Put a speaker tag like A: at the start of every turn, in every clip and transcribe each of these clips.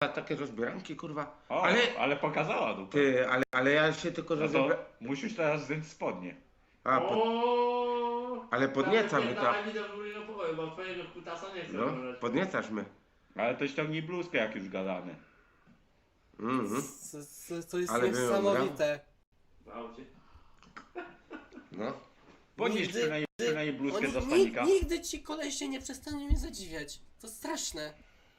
A: takie rozbieranki, kurwa.
B: O, ale pokazała dupę.
A: Ty, ale ja się tylko
B: No to
A: rozebrałem.
B: musisz teraz zdjąć spodnie.
A: Ale podniecamy to.
C: Dawaj mi do górnego pokoju, bo twojego kutasa nie chcę
A: No,
C: oglądać.
A: podniecasz mnie.
B: Ale to ściągnij bluzkę, jak już gadamy.
D: To jest
A: Ale
D: niesamowite.
C: W aucie.
A: No.
B: Podnieś
D: Nigdy-
B: przynajmniej bluzkę
D: Oni,
B: do stanika.
D: nigdy ci kolesie nie przestaną mnie zadziwiać. To straszne.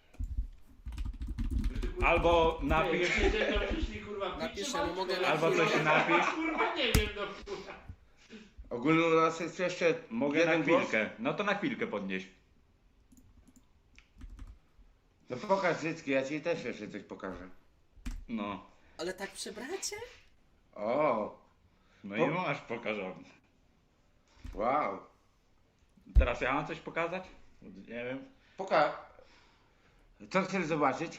B: Albo napisz,
D: Napiszę, no mogę
B: albo coś napisz.
C: Kurwa nie wiem, no kurwa.
A: Ogólnie u nas jest jeszcze
B: Mogę na
A: jeden głos.
B: chwilkę. No to na chwilkę podnieś.
A: No pokaż Zycki, ja ci też jeszcze coś pokażę.
B: No.
D: Ale tak przy bracie?
A: O,
B: No i masz pokażony.
A: wow.
B: Teraz ja mam coś pokazać? Nie wiem.
A: Co chcesz zobaczyć?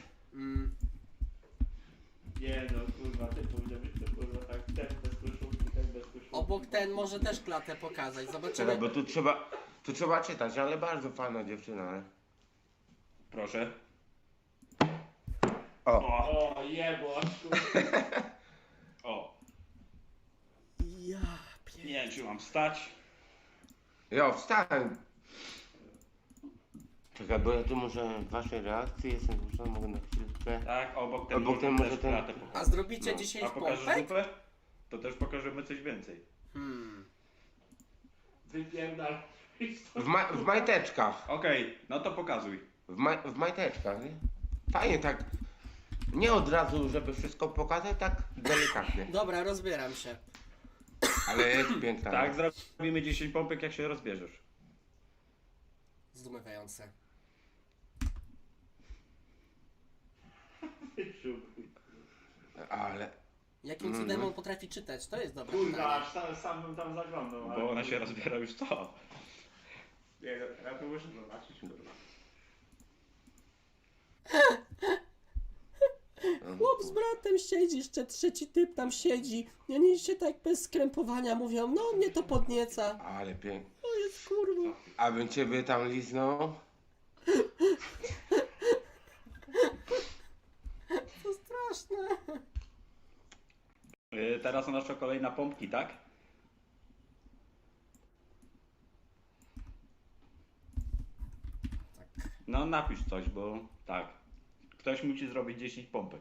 C: Nie no, kurwa, ty powinien być to kurwa tak, ten bez koszulki, ten bez koszulki.
D: Obok ten może też klatę pokazać.
A: Czekaj,
D: Zobaczymy.
A: bo tu trzeba czytać, ale bardzo fajna dziewczyna, ale...
B: Proszę.
A: O,
C: O, jebło, kurwa.
B: O.
D: Ja
B: Nie wiem, czy mam wstać.
A: ja wstałem. Czekaj, bo ja tu muszę waszej reakcji, jestem zmuszony, mogę na chwilkę.
B: Tak, obok ten
A: Obok ten
B: może
A: może
B: też
A: ten-
B: klatę pokazać.
D: A zrobicie
A: No.
D: 10
B: A pokażesz
D: pompek?
B: dupę? To też pokażemy coś więcej.
C: Wypierdal.
A: W majteczkach.
B: Okej, no to pokazuj.
A: W majteczkach, nie? Fajnie tak. Nie od razu, żeby wszystko pokazać, tak delikatnie.
D: Dobra, rozbieram się.
A: Ale jest piękna.
B: Tak, zrobimy 10 pompek, jak się rozbierzesz.
D: Zdumiewające.
A: Ale...
D: Jakim cudem on potrafi czytać? To jest dobre
C: Kurwa,
D: pytanie.
C: aż sam bym tam zaglądał. ale-
B: Bo ona się rozbiera już co?
C: Nie, ja to muszę zobaczyć, kurwa.
D: Chłop z bratem siedzi, jeszcze trzeci typ tam siedzi. I oni się tak bez skrępowania mówią, no mnie to podnieca.
A: Ale pięknie.
D: To jest kurwa.
A: A bym ciebie tam liznął?
D: To straszne.
B: Teraz nasza kolejna pompki, tak? No napisz coś, bo tak. Ktoś musi zrobić 10 pompek.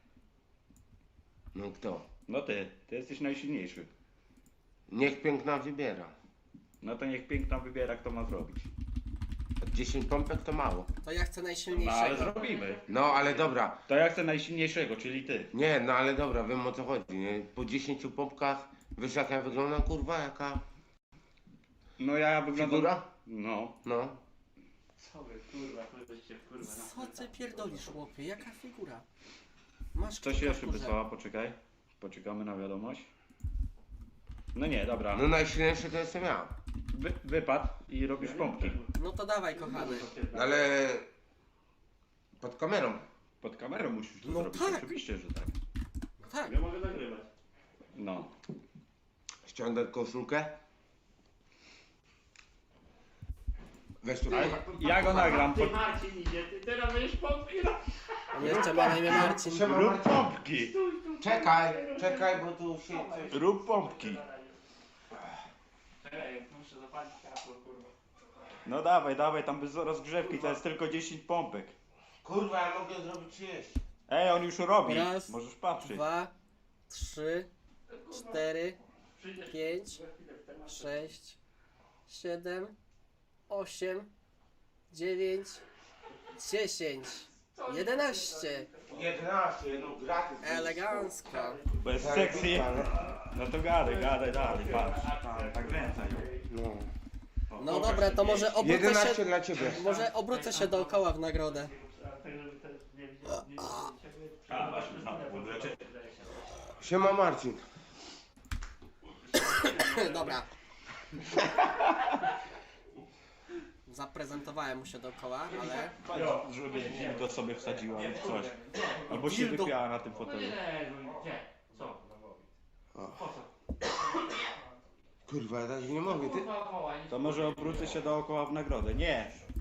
A: No kto?
B: No ty jesteś najsilniejszy.
A: Niech piękna wybiera.
B: No to niech piękna wybiera, kto ma zrobić.
A: 10 pompek to mało.
D: To ja chcę
B: No ale
D: najsilniejszego.
B: zrobimy.
A: No ale dobra.
B: To ja chcę najsilniejszego, czyli ty.
A: Nie, no ale dobra, wiem o co chodzi, nie? Po 10 pompkach, wiesz jak ja wyglądam, kurwa, jaka
B: No ja wyglądam...
A: figura?
B: No.
A: No.
C: Co wy, kurwa, żeście kurwa.
D: Co ty pierdolisz, chłopie? Jaka figura? Masz
B: Coś
D: kilka
B: jeszcze
D: w górze.
B: wysłała, poczekaj. Poczekamy na wiadomość. No nie, dobra.
A: No najsilniejszy to jestem ja.
B: Wypad i robisz pompki.
D: No to dawaj, kochany.
A: Ale... Pod kamerą.
B: Pod kamerą musisz to
D: No
B: zrobić,
D: tak.
B: oczywiście, że tak.
D: No tak.
C: Ja mogę nagrywać.
B: No.
A: Ściągnę koszulkę. Weź tu.
B: Ja go nagram.
C: Ty Marcin idzie, ty teraz będziesz pompki robić.
D: On jeszcze ma na imię Marcin.
B: Rób pompki!
A: Czekaj, bo tu się coś...
B: Rób pompki!
C: Czekaj, muszę zapalić światło, kurwa.
B: No dawaj, tam bez rozgrzewki, to jest tylko 10 pompek.
A: Kurwa, ja mogę zrobić 30.
B: Ej, on już robi.
D: Raz,
B: Możesz patrzeć.
D: 2, 3, 4,
C: Przyjdziesz
D: 5,
C: za chwilę w temat.
D: 6, 7, 8, 9, 10, 11.
A: 11, no gratis.
D: Elegancko.
B: Bo jest sexy. No to gadaj dalej, patrz. Tak kręcaj.
A: No.
D: No dobra, to może obrócę
A: 11
D: się,
A: dla ciebie.
D: może obrócę się dookoła w nagrodę.
C: Tak, żeby też nie widzieć.
B: A, właśnie, wlecze.
A: Siema Marcin.
D: Dobra. Zaprezentowałem mu się dookoła, ale...
B: Żeby dildo sobie wsadziła lub coś. Albo się
D: Dildo.
B: wypiała na tym
C: No
B: fotelu.
C: nie, gdzie? Co? Po co?
A: Kurwa, ja tak nie mogę, ty.
C: Kurwa, wołaj.
B: To może obrócę się dookoła w nagrodę. Nie,